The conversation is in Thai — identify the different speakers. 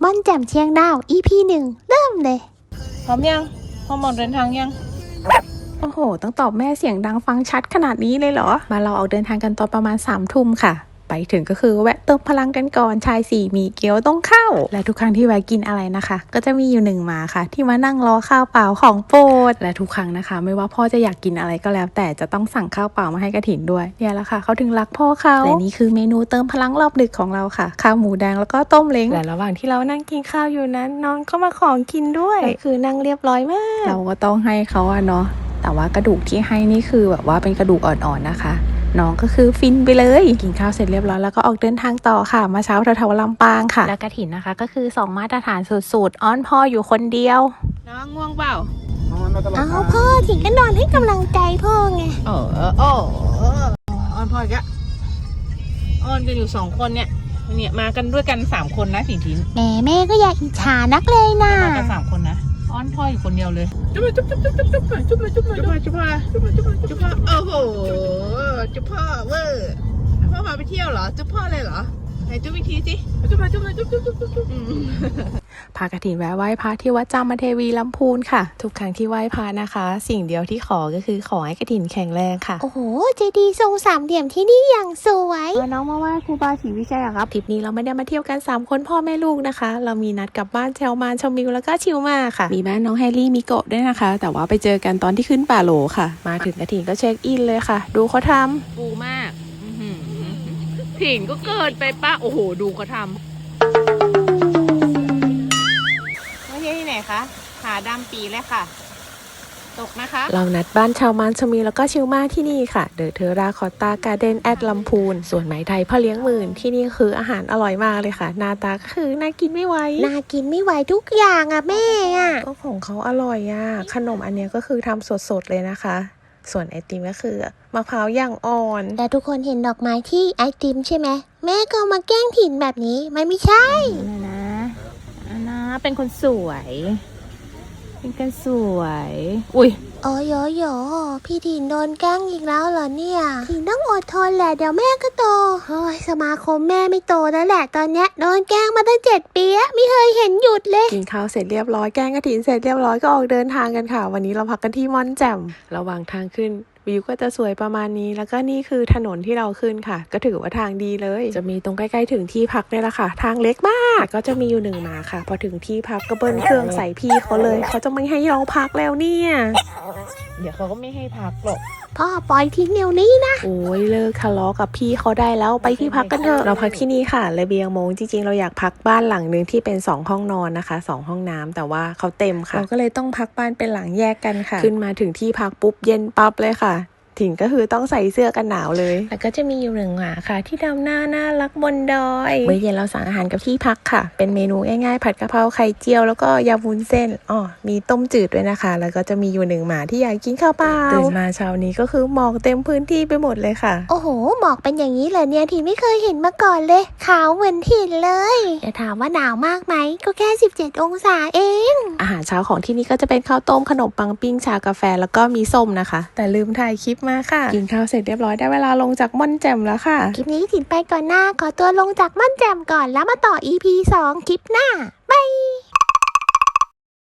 Speaker 1: ม่อนแจ่มเชียงดาว EP 1เริ่มเลย
Speaker 2: พร้อมยังพร้อมออกเดินทางยัง
Speaker 3: โอ้โหต้องตอบแม่เสียงดังฟังชัดขนาดนี้เลยเหรอมาเราออกเดินทางกันตอนประมาณ3 ทุ่มค่ะไปถึงก็คือแวะเติมพลังกันก่อนชาย4มีเกี๊ยวต้องเข้าและทุกครั้งที่แวะกินอะไรนะคะก็จะมีอยู่1หมาค่ะที่มานั่งรอข้าวเปล่าของโปรดและทุกครั้งนะคะไม่ว่าพ่อจะอยากกินอะไรก็แล้วแต่จะต้องสั่งข้าวเปล่ามาให้กระถินด้วยเนี่ยแหละค่ะเขาถึงรักพ่อเขาและนี่คือเมนูเติมพลังรอบดึกของเราค่ะข้าวหมูแดงแล้วก็ต้มเล้งและระหว่างที่เรานั่งกินข้าวอยู่นั้นน้องก็มาขอกินด้วยคือนั่งเรียบร้อยมากเราก็ต้องให้เขาอะเนาะแต่ว่ากระดูกที่ให้นี่คือแบบว่าเป็นกระดูกอ่อนๆนะคะน้องก็คือฟินไปเลยกินข้าวเสร็จเรียบร้อยแล้วก็ออกเดินทางต่อค่ะมาเช้าแถวๆลำปางค่ะแล้วกระถินนะคะก็คือ2มาตรฐานสุดๆอ้อนพ่ออยู่คนเดียว
Speaker 2: น้องง่วงเปล่า
Speaker 1: เอาพ่อถิงก็นอนให้กำลังใจพ่อไง
Speaker 2: อ้อนพ่ออีกอะอ้อนกันอยู่2 คนเนี่ยมากันด้วยกัน3 คนนะถิง
Speaker 1: แม่ก็อย่าอิจฉานักเลยนะ
Speaker 2: มากัน3 คนนะอ้อนพ่ออยู่คนเดียวเลยจุ๊บจุ๊บจุ๊บจุ๊บจุ๊บจุ๊บจุ๊บจุ๊บจุ๊บจุ๊บจุ๊บโอ้โหจุ๊บพ่อเวอร์พ่อพาไปเที่ยวเหรอจุ๊บพ่อเลยเหรอไหนจุ๊บอีกทีสิจุ๊บมาจุ๊บเลยจุ๊บจุ๊บจุ๊บจุ๊บ
Speaker 3: พากระถินแวะไหว้พระที่วัดจามเทวีลำพูนค่ะทุกครั้งที่ไหว้พระนะคะสิ่งเดียวที่ขอก็คือขอให้กระถินแข็งแรงค่ะ
Speaker 1: โอ้โหเจดีย์ทรง3 เหลี่ยมที่นี่อย่างสวย
Speaker 3: น้องมาไหว้ครูบาศรีวิชัยครับทริปนี้เราไม่ได้มาเที่ยวกัน3 คนพ่อแม่ลูกนะคะเรามีนัดกลับบ้านแชลมานชมวิวแล้วก็ชิลมาค่ะมีบ้านน้องแฮร์รี่มิโกะด้วยนะคะแต่ว่าไปเจอกันตอนที่ขึ้นป่าโหลค่ะมาถึงกระถินก็เช็คอินเลยค่ะดูเขาทำ
Speaker 2: ปูมากถิงก็เกิดไปป้าโอ้โหดูเขาทำที่ไหนคะหาดำปีเลยค่ะตกนะคะ
Speaker 3: เรานัดบ้านชาวมันชมีแล้วก็ชิลมาที่นี่ค่ะเดอะเทอราคอตตาการ์เด้นแอดลำพูนส่วนไหมไทยพ่อเลี้ยงหมื่นที่นี่คืออาหารอร่อยมากเลยค่ะหน้าตาคือน่ากินไม่ไหว
Speaker 1: ทุกอย่างอ่ะแม่อ่ะ
Speaker 3: ก็ของเขาอร่อยอ่ะขนมอันนี้ก็คือทำสดๆเลยนะคะส่วนไอติมก็คือมะพร้าวย่างอ่อน
Speaker 1: แต่ทุกคนเห็นดอกไม้ที่ไอติมใช่ไหมแม่ก็มาแกล้งถิ่นแบบนี้ไม่ใช่
Speaker 2: นะเป็นคนสวยเป็นคนสวยอุ้ย
Speaker 1: โอ้ยพี่ถิ่นโดนแกล้งอีกแล้วเหรอเนี่ยถิ่นต้องอดทนแหละเดี๋ยวแม่ก็โตเฮ้ยสมาคมแม่ไม่โตแล้วแหละตอนเนี้ยโดนแกล้งมาตั้ง7 ปีไม่เคยเห็นหยุดเลย
Speaker 3: กินข้าวเสร็จเรียบร้อยแกล้งกระถินเสร็จเรียบร้อยก็ออกเดินทางกันค่ะวันนี้เราพักกันที่ม่อนแจ่มระหว่างทางขึ้นวิวก็จะสวยประมาณนี้แล้วก็นี่คือถนนที่เราขึ้นค่ะก็ถือว่าทางดีเลยจะมีตรงใกล้ๆถึงที่พักนี่แหละค่ะทางเล็กมากก็จะมีอยู่1หมาค่ะพอถึงที่พักก็เบิ้ลเครื่องใส่พี่เขาเลยเขาจะไม่ให้เราพักแล้วเนี่ย
Speaker 2: เดี๋ยวเขาก็ไม่ให้พักหรอก
Speaker 1: พ่อปล่อยทิ้งเดี๋ยวนี้นะ
Speaker 3: โอ้ยเลิกทะเลาะกับพี่เขาได้แล้วไปที่พักกันเถอะเราพักที่นี่ค่ะระเบียงโมงจริงๆเราอยากพักบ้านหลังนึงที่เป็น2 ห้องนอนนะคะ2 ห้องน้ำแต่ว่าเขาเต็มค่ะเราก็เลยต้องพักบ้านเป็นหลังแยกกันค่ะขึ้นมาถึงที่พักปุ๊บเย็นปั๊บเลยค่ะถิงก็คือต้องใส่เสื้อกันหนาวเลยแล้วก็จะมีอยู่1หมาค่ะที่ดำหน้าน่ารักบนดอยเมื่อเย็นเราสั่งอาหารกับที่พักค่ะเป็นเมนูง่ายๆผัดกะเพราไข่เจียวแล้วก็ยำวุ้นเส้นมีต้มจืดด้วยนะคะแล้วก็จะมีอยู่1หมาที่อยากกินข้าวเปล่าตื่นมาเช้านี้ก็คือหมอกเต็มพื้นที่ไปหมดเลยค่ะ
Speaker 1: โอ้โหหมอกเป็นอย่างนี้เลยเนี่ยถิ่นไม่เคยเห็นมาก่อนเลยขาวเหมือนถิ่นเลยแต่ถามว่าหนาวมากไหมก็แค่17 องศาเอง
Speaker 3: อาหารเช้าของที่นี่ก็จะเป็นข้าวต้มขนมปังปิ้งชากาแฟแล้วก็มีส้มนะคะแต่ลืมถ่ายคลิปมาค่ะกินข้าวเสร็จเรียบร้อยได้เวลาลงจากม่อนแจ่มแล้วค่ะ
Speaker 1: คลิปนี้ถิ่นไปก่อนหน้าขอตัวลงจากม่อนแจ่มก่อนแล้วมาต่อ EP 2 คลิปหน้าบาย